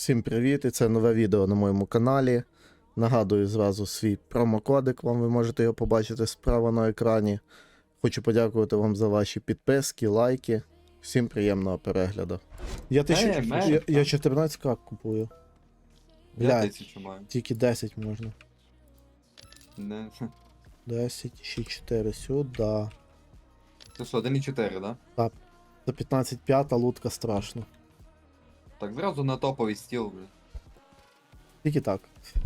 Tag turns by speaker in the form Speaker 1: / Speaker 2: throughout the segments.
Speaker 1: Всім привіт! І це нове відео на моєму каналі. Нагадую зразу свій промокодик, ви можете його побачити справа на екрані. Хочу подякувати вам за ваші підписки, лайки. Всім приємного перегляду. Я 14к купую.
Speaker 2: Я
Speaker 1: Блядь,
Speaker 2: 1000 маю.
Speaker 1: тільки 10 можна.
Speaker 2: Не.
Speaker 1: 10, ще 4 сюди.
Speaker 2: Це що, 1,4, да?
Speaker 1: Так, за 15,5 лутка страшно.
Speaker 2: Так, зразу на топовий стіл, блядь.
Speaker 1: Тільки так.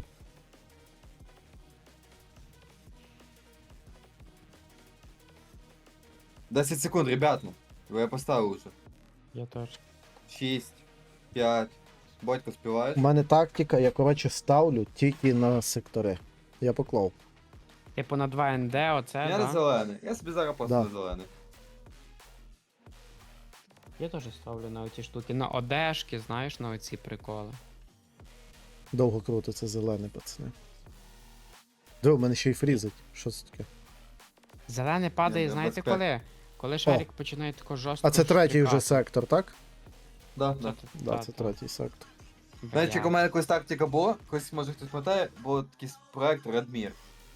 Speaker 2: «10 секунд, ребят, ну. Я поставив уже.
Speaker 3: Я теж.
Speaker 2: 6, 5. Батько, співаєш?
Speaker 1: У мене тактика, я коротше ставлю тільки на сектори. Я поклав.
Speaker 3: Типу на 2 НД, оце,
Speaker 2: Я не
Speaker 3: да?
Speaker 2: зелений. Я собі зараз просто
Speaker 1: Да.
Speaker 2: не зелений.
Speaker 3: Я теж ставлю на оці штуки. На одежки, знаєш, на оці приколи.
Speaker 1: Довго крутиться зелений, пацани. Диво, в мене ще й фрізить. Що це таке?
Speaker 3: Зелене падає,
Speaker 2: Ні,
Speaker 3: знаєте
Speaker 2: 25.
Speaker 3: коли? Коли шарик починає тако жорстко.
Speaker 1: А це третій вже
Speaker 3: штрикати.
Speaker 1: сектор, так?
Speaker 2: Да,
Speaker 3: Це
Speaker 2: да.
Speaker 3: т-
Speaker 1: Да,
Speaker 3: та,
Speaker 1: це
Speaker 3: та.
Speaker 1: третій сектор.
Speaker 2: Знаєте,
Speaker 3: Бля.
Speaker 2: у мене якась тактика була, якось, може хтось пам'ятає, був такий проект Redmir.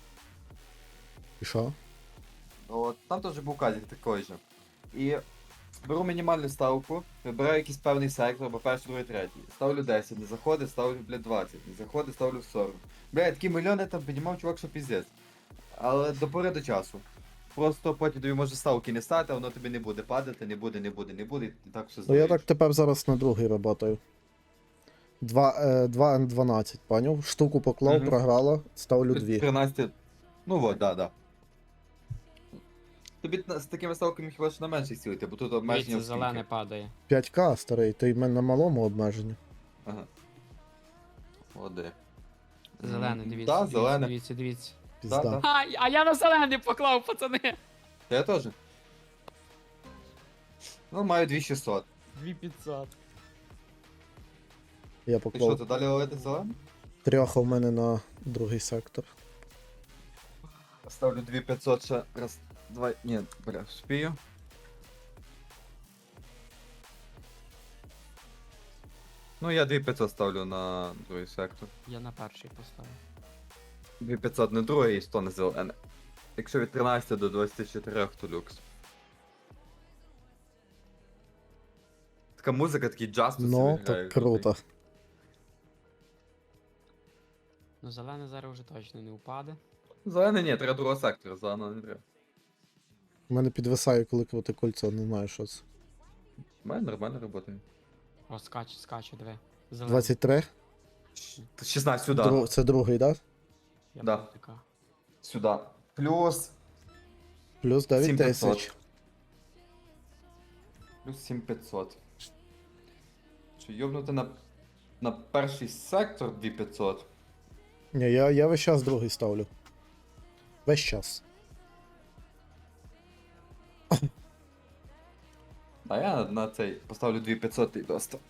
Speaker 1: І що?
Speaker 2: От, там теж був казик такий же. І беру мінімальну ставку, вибираю якийсь певний сектор, або перший, другий, третій. Ставлю 10, не заходить, ставлю, блядь, 20, не заходить, ставлю 40. Блядь, такі мільйони там піднімав чувак, що піздець. Але до пори до часу. Просто потім тобі може ставки не стати, а воно тобі не буде падати, не буде, і так все
Speaker 1: Ну я
Speaker 2: здається.
Speaker 1: так тепер зараз на другий работаю. 2 Н12, поняв? Штуку поклав,
Speaker 2: Мгм.
Speaker 1: програла, ставлю 2.
Speaker 2: 13. Ну от, да. Тобі з такими ставками хіба що на менше цілити, бо тут обмеження
Speaker 3: Дивіться,
Speaker 2: в скільки.
Speaker 3: зелене падає.
Speaker 1: 5к, старий, ти в мене на малому обмеженні.
Speaker 2: Ага. Оде.
Speaker 3: Зелене, дивіться,
Speaker 2: Да,
Speaker 3: дивіться,
Speaker 2: зелене.
Speaker 3: дивіться.
Speaker 1: Пізда.
Speaker 2: Да.
Speaker 3: А я на зелений поклав, пацани!
Speaker 2: Я теж. Ну, маю 2600.
Speaker 3: 2500.
Speaker 1: Я
Speaker 2: І що,
Speaker 1: поклав
Speaker 2: ти далі ловити зелений?
Speaker 1: трьоха в мене на другий сектор.
Speaker 2: Ставлю 2500 ще раз, два, ні, бля, спію. Ну, я 2500 ставлю на другий сектор.
Speaker 3: Я на перший поставив.
Speaker 2: 2500 не другий і 100 не зелене. Якщо від 13 до 24, то люкс. Така музика, такий джаз тут
Speaker 1: Ну,
Speaker 2: собі грає,
Speaker 1: так круто.
Speaker 3: Ну зелене зараз вже точно не упаде.
Speaker 2: Зелене ні, треба другого сектора, зеленого не треба.
Speaker 1: У мене підвисає, коли крути кольцо, не знаю, що це.
Speaker 2: У мене нормально працює.
Speaker 3: О, скаче, диви. Зелене.
Speaker 1: 23?
Speaker 2: 16 сюди.
Speaker 1: Це другий, так? Да?
Speaker 3: Я
Speaker 2: Да.
Speaker 3: протикав.
Speaker 2: Сюди. Плюс.
Speaker 1: Плюс 9
Speaker 2: 7500.
Speaker 1: тисяч.
Speaker 2: Плюс 7500. Що йобнути на перший сектор 2500?
Speaker 1: Ні, я весь час другий ставлю. Весь час.
Speaker 2: А я на цей поставлю 2500 і доста.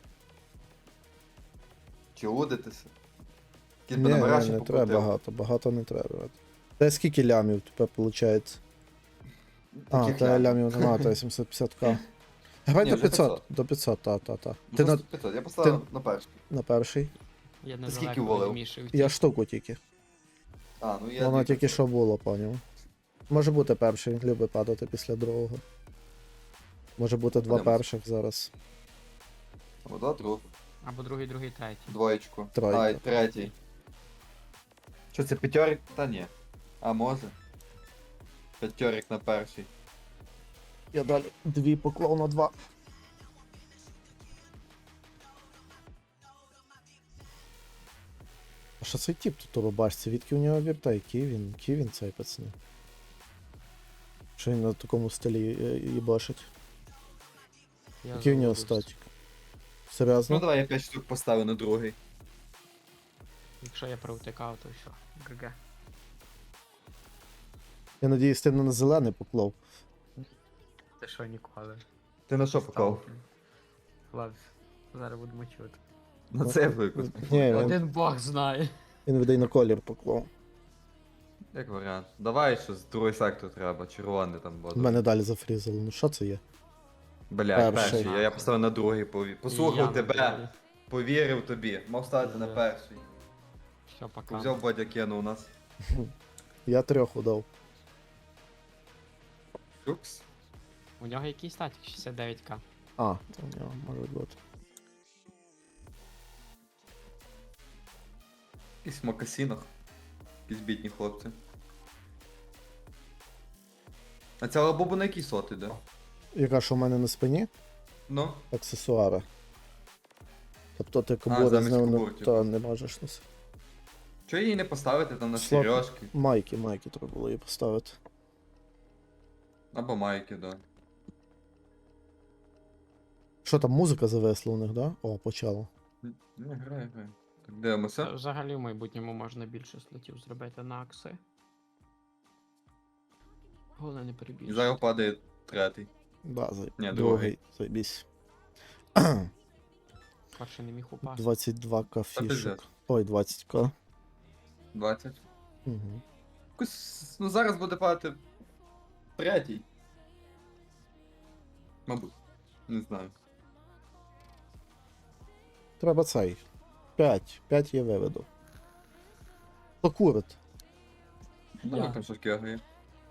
Speaker 2: Чи удитися? Кіт би
Speaker 1: Ні,
Speaker 2: набираш і
Speaker 1: не треба
Speaker 2: покрутив.
Speaker 1: багато не треба. Та скільки лямів тепер виходить? А,
Speaker 2: Таких
Speaker 1: та
Speaker 2: лямів.
Speaker 1: лямів нема, та 750к. Давай
Speaker 2: Ні,
Speaker 1: до
Speaker 2: вже
Speaker 1: 500, до 500, та.
Speaker 2: Ну,
Speaker 1: Ти на,
Speaker 2: 500. Я поставив на перший.
Speaker 1: на перший.
Speaker 3: Я
Speaker 2: Ти
Speaker 3: не
Speaker 2: скільки
Speaker 3: далеко
Speaker 2: волив?
Speaker 3: відмішив.
Speaker 1: Я штуку тільки.
Speaker 2: А, ну я
Speaker 1: Воно тільки
Speaker 2: 2500.
Speaker 1: що було, поняв. Може бути перший, він любить падати після другого. Може бути два
Speaker 2: Подивимось.
Speaker 1: перших зараз.
Speaker 2: Або два другу.
Speaker 3: Або другий, третій.
Speaker 2: Двоєчку.
Speaker 1: Тройка.
Speaker 2: А, і третій. Що це п'ятьорик? Та ні. А може. П'ятьорик на перший.
Speaker 1: Я далі дві поклав на 2. А що цей тип тут у рубашці? Відки у нього вірта? Який він цей пацани? Що він на такому стилі їбашить?
Speaker 3: Я
Speaker 1: Який у нього
Speaker 3: заводився.
Speaker 1: статік?
Speaker 2: Ну
Speaker 1: Серйозно?
Speaker 2: давай я 5 штук поставлю на другий.
Speaker 3: Якщо я провтикав, то все. ГГ.
Speaker 1: Я надіюсь, ти не на зелений поклав.
Speaker 3: Ти що ніколи?
Speaker 2: Ти на що поклав?
Speaker 3: Ладно, зараз будемо чути.
Speaker 2: На це виклик.
Speaker 1: Ні, він,
Speaker 3: Один бог знає.
Speaker 1: він видай на колір поклав.
Speaker 2: Як варіант. Давай щось, другий сектор треба, червоний там буде.
Speaker 1: У мене далі зафрізало. Ну що це є?
Speaker 2: Блядь,
Speaker 1: перший.
Speaker 2: перший. Я поставив на другий. Послухав
Speaker 3: Я на
Speaker 2: тебе.
Speaker 3: другий.
Speaker 2: Повірив тобі. Мав стати на перший.
Speaker 3: Все, пока.
Speaker 2: Взяв Бодя кинув нас.
Speaker 1: Я 3 удав.
Speaker 2: Шукс.
Speaker 3: У нього який статік 69к.
Speaker 1: А, то в нього може бути.
Speaker 2: Якісь в мокасінах. Якісь бідні хлопці. А ця лабуба на який сот іде?
Speaker 1: Яка ж у мене на спині?
Speaker 2: Ну,
Speaker 1: Аксесуари. Тобто ти кобури з
Speaker 2: замість
Speaker 1: ним
Speaker 2: кобур, типу.
Speaker 1: та не можеш носити.
Speaker 2: чого її не поставити там на
Speaker 1: Слот.
Speaker 2: сережки?
Speaker 1: Майки треба було її поставити.
Speaker 2: Або майки, да.
Speaker 1: Що там, музика зависла у них, да? О, почало.
Speaker 2: Не, грає. Так, дивимося.
Speaker 3: Взагалі в майбутньому можна більше слотів зробити на акси. Головне не
Speaker 2: І
Speaker 3: перебільшити.
Speaker 2: зараз падає третій.
Speaker 1: Да,
Speaker 2: Ні,
Speaker 1: другий, заєбісь.
Speaker 3: Перший не міг упасти.
Speaker 1: 22к
Speaker 2: Та пиздець.
Speaker 1: фішок. Ой, 20к.
Speaker 2: 20.
Speaker 1: Угу.
Speaker 2: Якось, ну зараз буде падати третій. Мабуть. Не знаю.
Speaker 1: Треба цей. 5. 5 я виведу. Хто курить?
Speaker 2: Ну,
Speaker 3: Я.
Speaker 2: як там щось кегає.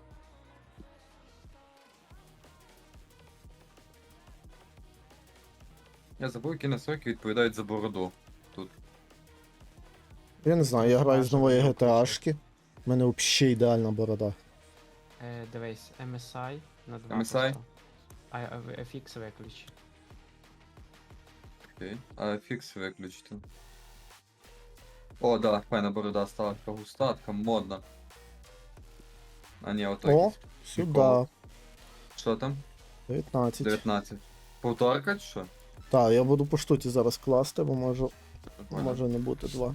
Speaker 2: Я забув, які настройки відповідають за бороду. Тут.
Speaker 1: Я не знаю, я граю з
Speaker 3: Наша
Speaker 1: нової
Speaker 3: буде
Speaker 1: GTA-шки. У мене взагалі ідеальна борода.
Speaker 3: Дивись, MSI на 2
Speaker 2: MSI?
Speaker 3: просто. А FX виключи.
Speaker 2: Окей. А фікс виключити. О, да, файна борода стала така густа, така модна. А ні, ото
Speaker 1: О,
Speaker 2: якийсь.
Speaker 1: сюди.
Speaker 2: Прикол. Що там?
Speaker 1: 19.
Speaker 2: 19. Повторка чи що?
Speaker 1: Так, я буду по штуці зараз класти, бо можу,
Speaker 2: Прикольно.
Speaker 1: може не бути 2.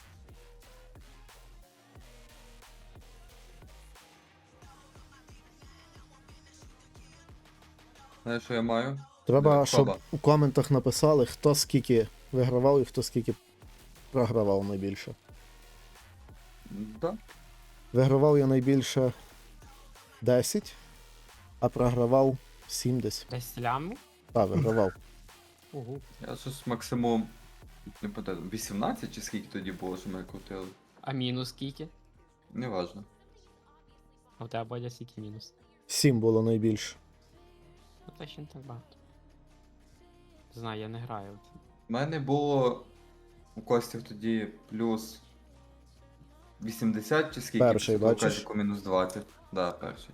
Speaker 2: Знаєш, що я маю?
Speaker 1: Треба,
Speaker 2: Диви,
Speaker 1: щоб
Speaker 2: Фаба.
Speaker 1: у коментах написали, хто скільки вигравав і хто скільки програвав найбільше.
Speaker 2: Да.
Speaker 1: Вигравав я найбільше 10, а програвав 7 десь.
Speaker 3: Десь ляму?
Speaker 1: Так, вигравав.
Speaker 3: Угу.
Speaker 2: Я щось максимум. Не пам'ятаю, 18 чи скільки тоді було, що ми крутили?
Speaker 3: А мінус скільки?
Speaker 2: Неважно.
Speaker 3: А у тебе Бодя скільки мінус?
Speaker 1: 7 було найбільше.
Speaker 3: Ну та ще не так багато. Не знаю, я не граю.
Speaker 2: У мене було у Костів тоді плюс 80 чи скільки?
Speaker 1: Перший,
Speaker 2: після того
Speaker 1: бачиш?
Speaker 2: Казіку мінус 20. Да, перший.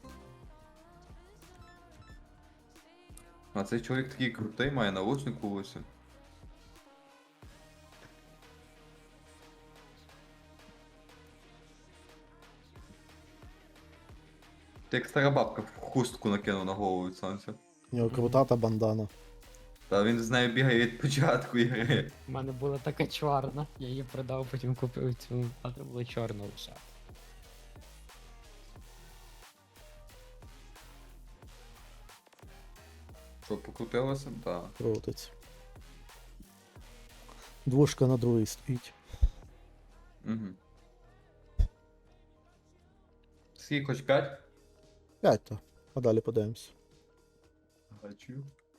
Speaker 2: А цей чоловік такий крутий, має наушник у вусі. Ти як стара бабка в хустку накинув на голову від сонця.
Speaker 1: У нього крута та бандана.
Speaker 2: Та він з нею бігає від початку ігри.
Speaker 3: У мене була така чорна, я її продав, потім купив цю, а це було чорна лише.
Speaker 2: Що, покрутилося? Так.
Speaker 1: Крутиться. Двушка на другій стоїть.
Speaker 2: Угу. Скільки хоч 5?
Speaker 1: 5 то. А далі подивимось.
Speaker 2: Бачу.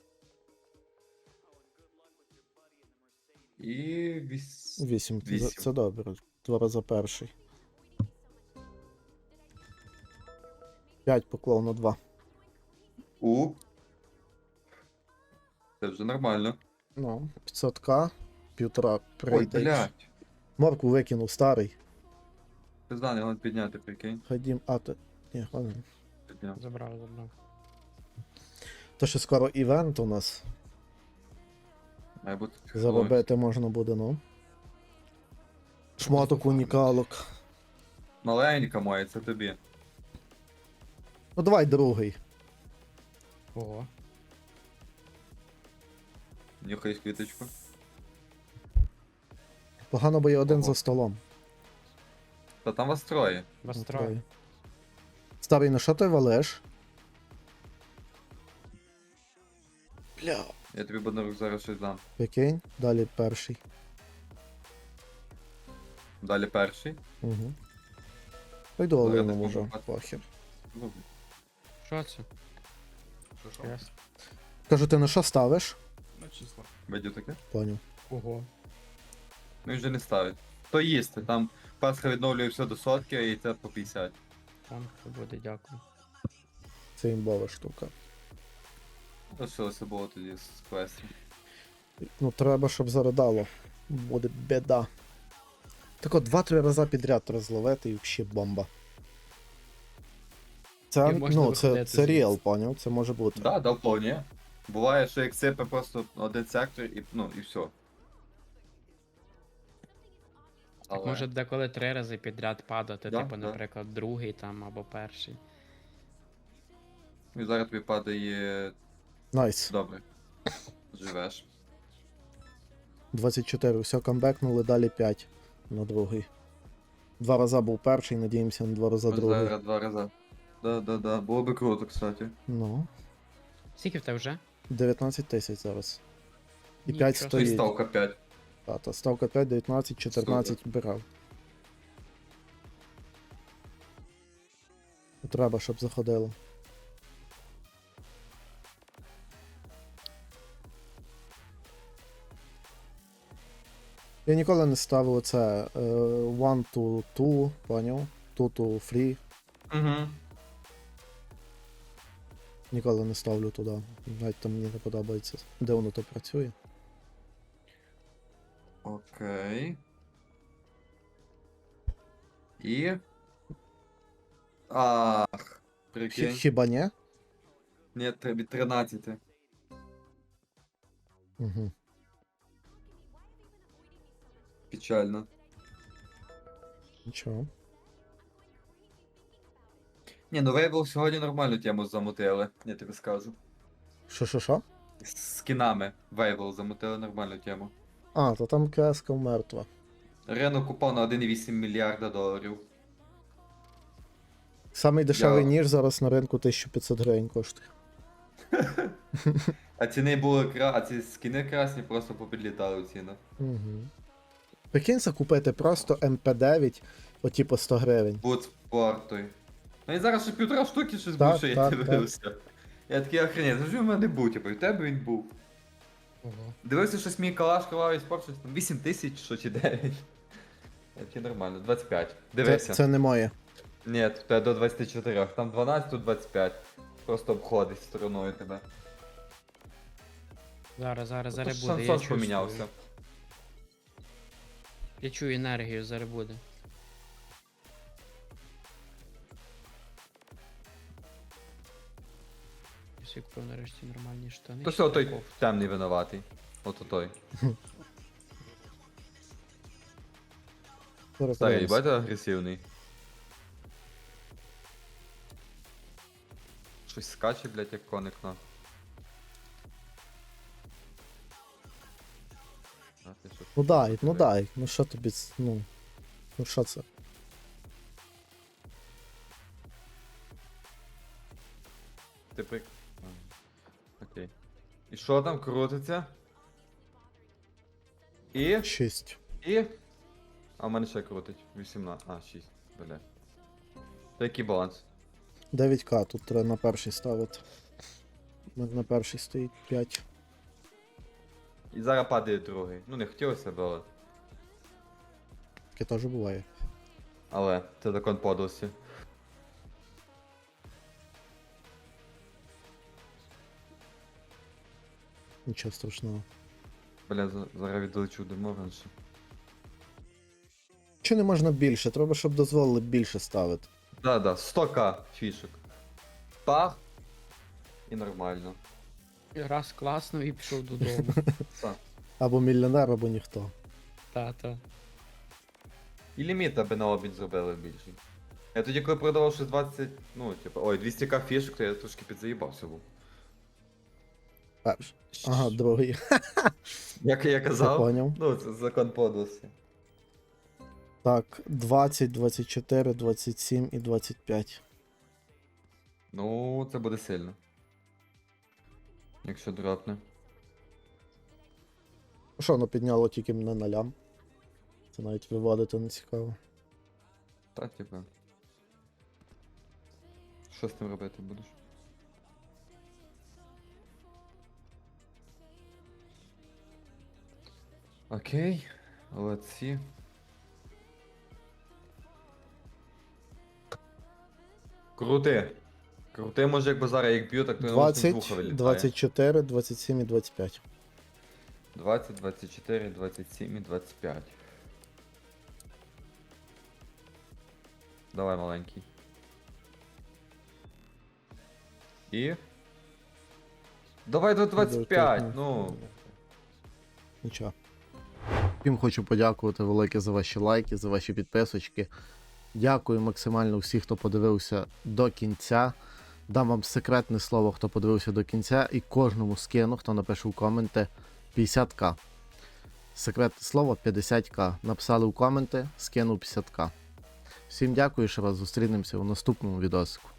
Speaker 2: І
Speaker 1: 8.
Speaker 2: Вісім.
Speaker 1: Це добре. 2 рази перший. 5 поклав на 2.
Speaker 2: Це вже нормально.
Speaker 1: Ну, 500к, 1,5
Speaker 2: Ой,
Speaker 1: прийде.
Speaker 2: блядь.
Speaker 1: Морку викинув старий.
Speaker 2: Пизда, не його підняти, прикинь.
Speaker 1: Ходім, а то. Ні, ладно.
Speaker 2: Підняв.
Speaker 3: Забрав.
Speaker 1: То що скоро івент у нас.
Speaker 2: Має бути
Speaker 1: Заробити можна буде, ну. Шмоток унікалок.
Speaker 2: Маленька моя, це тобі.
Speaker 1: Ну давай другий.
Speaker 3: Ого.
Speaker 2: Нюхай квіточку.
Speaker 1: Погано, бо я один
Speaker 2: Ого.
Speaker 1: за столом.
Speaker 2: Та там вас троє.
Speaker 3: Вас
Speaker 1: Ну,
Speaker 3: троє.
Speaker 1: троє. Старий, на що ти валиш? Бля.
Speaker 2: Я тобі буду зараз щось дам.
Speaker 1: Прикинь, далі перший.
Speaker 2: Далі перший.
Speaker 1: Угу. Пойду
Speaker 2: Ну, я
Speaker 1: Олину
Speaker 2: так
Speaker 1: може,
Speaker 2: можу.
Speaker 1: похер.
Speaker 2: Ну,
Speaker 3: Що це?
Speaker 2: що?
Speaker 3: Ясно.
Speaker 1: Кажу, ти на що ставиш?
Speaker 2: Видів таке?
Speaker 1: Поняв.
Speaker 3: Ого.
Speaker 2: Він вже не ставить. То їсти, там Пасха відновлює все до сотки і це по 50.
Speaker 3: Там буде, дякую.
Speaker 1: Це імбова штука.
Speaker 2: Лишилося було тоді з квестів.
Speaker 1: Ну, треба, щоб заридало. Буде біда. Так от 2-3 рази підряд розловити і взагалі бомба. Це,
Speaker 3: І можна
Speaker 1: ну, це
Speaker 3: виходити звідси.
Speaker 1: реал, поняв? Це може бути.
Speaker 2: Да, да, вполне. Буває, що як сипе просто один сектор і, ну, і все.
Speaker 3: Так може деколи 3 рази підряд падати,
Speaker 2: Да,
Speaker 3: типу,
Speaker 2: да.
Speaker 3: наприклад, другий там або перший.
Speaker 2: І зараз тобі падає
Speaker 1: Найс.
Speaker 2: добре. Живеш.
Speaker 1: 24, все, камбекнули, далі 5 на другий. 2 рази був перший, надіємося на 2 рази другий.
Speaker 2: Зараз 2 рази. Да. Було би круто, кстати.
Speaker 1: Ну,
Speaker 3: Скільки в тебе вже?
Speaker 1: 19 тисяч зараз. І
Speaker 3: Нічого
Speaker 1: 5
Speaker 3: собі.
Speaker 2: І
Speaker 1: стоїть.
Speaker 2: ставка 5.
Speaker 1: Та ставка 5, 19, 14 брав. Треба, щоб заходило. Я ніколи не ставив оце 1 to 2, поняв? 2 to 3.
Speaker 2: Угу.
Speaker 1: Ніколи не ставлю туди. Навіть там мені не подобається, де воно то працює.
Speaker 2: Окей. І. Ах, прикинь.
Speaker 1: Хіба ні?
Speaker 2: Ні, від 13.
Speaker 1: Угу.
Speaker 2: Печально.
Speaker 1: Нічого.
Speaker 2: Ні, ну Вейбл сьогодні нормальну тему замутили, я тобі скажу.
Speaker 1: Що?
Speaker 2: З скінами Вейбл замутили нормальну тему.
Speaker 1: А, то там кеска мертва.
Speaker 2: Ринок упав на 1,8 мільярда доларів.
Speaker 1: Самий дешевий
Speaker 2: Я-
Speaker 1: ніж зараз на ринку 1500 гривень коштує.
Speaker 2: А ціни були а ці скіни красні просто попідлітали в цінах.
Speaker 1: Угу. Прикинься купити просто МП9, оті по 100 гривень.
Speaker 2: Бут спорту. Ну і зараз ще 1,5 штуки щось
Speaker 1: Так,
Speaker 2: був, що я
Speaker 1: так,
Speaker 2: дивився. Я такий охренеть, завжди в мене був, типу, і в тебе він був.
Speaker 3: Ого.
Speaker 2: Дивився, щось мій калаш кровавий спорт, щось там 8 тисяч, що чи 9. Я такий нормально, 25. Дивися.
Speaker 1: Це не моє.
Speaker 2: Ні, в тебе до 24, там 12, тут 25. Просто обходить стороною тебе.
Speaker 3: Зараз буде.
Speaker 2: Шансон
Speaker 3: Я чувствую.
Speaker 2: помінявся.
Speaker 3: Я чую енергію, зараз буде. Я купив нарешті нормальні штани.
Speaker 2: То все, той
Speaker 3: Таков.
Speaker 2: темний винуватий. Ото той.
Speaker 1: Зараз
Speaker 2: Старий,
Speaker 1: подивимось.
Speaker 2: бачите, агресивний. Щось скаче, блять, як коник на. А, ти що?
Speaker 1: Ну дай. Ну що тобі, ну що це?
Speaker 2: Ти прик... Окей. І що там крутиться? І?
Speaker 1: 6.
Speaker 2: І? А в мене ще крутить. 18. А, 6. Бля. То який баланс?
Speaker 1: 9к, тут треба на перший ставити. У мене на перший стоїть 5.
Speaker 2: І зараз падає другий. Ну не хотілося б, але.
Speaker 1: Таке теж буває.
Speaker 2: Але це закон подлості.
Speaker 1: Нічого страшного.
Speaker 2: Бля, зараз відлечу до Морганша.
Speaker 1: Чи не можна більше? Треба, щоб дозволили більше ставити.
Speaker 2: Да, 100к фішок. Пах. І нормально.
Speaker 3: Раз класно і пішов додому.
Speaker 2: Так.
Speaker 1: Або мільйонер, або ніхто.
Speaker 3: Та.
Speaker 2: І ліміт аби на обмін зробили більший. Я тоді, коли продавав ще 20, ну, типу, ой, 200к фішок, то я трошки підзаїбався був.
Speaker 1: Перший. Ага, другий.
Speaker 2: Як я
Speaker 1: Я
Speaker 2: казав,
Speaker 1: поняв.
Speaker 2: ну, це закон подлості.
Speaker 1: Так, 20, 24, 27 і 25.
Speaker 2: Ну, це буде сильно. Якщо дропне.
Speaker 1: Що воно підняло тільки на нулям? Це навіть виводити не цікаво.
Speaker 2: Так, типу. Що з тим робити будеш? Окей. Молодці. Крути. Крути, може, якби зараз як б'ю, так то я з
Speaker 1: 20,
Speaker 2: вуха вилітає.
Speaker 1: 24, 27 і 25.
Speaker 2: 20, 24, 27 і 25. Давай, маленький. І. Давай до 25, ну.
Speaker 1: Нічого. Всім хочу подякувати велике за ваші лайки, за ваші підписочки. Дякую максимально всім, хто подивився до кінця. Дам вам секретне слово, хто подивився до кінця, і кожному скину, хто напише в коменти 50к. Секретне слово 50к. Написали в коменти, скинув 50к. Всім дякую, ще раз зустрінемося у наступному відосику.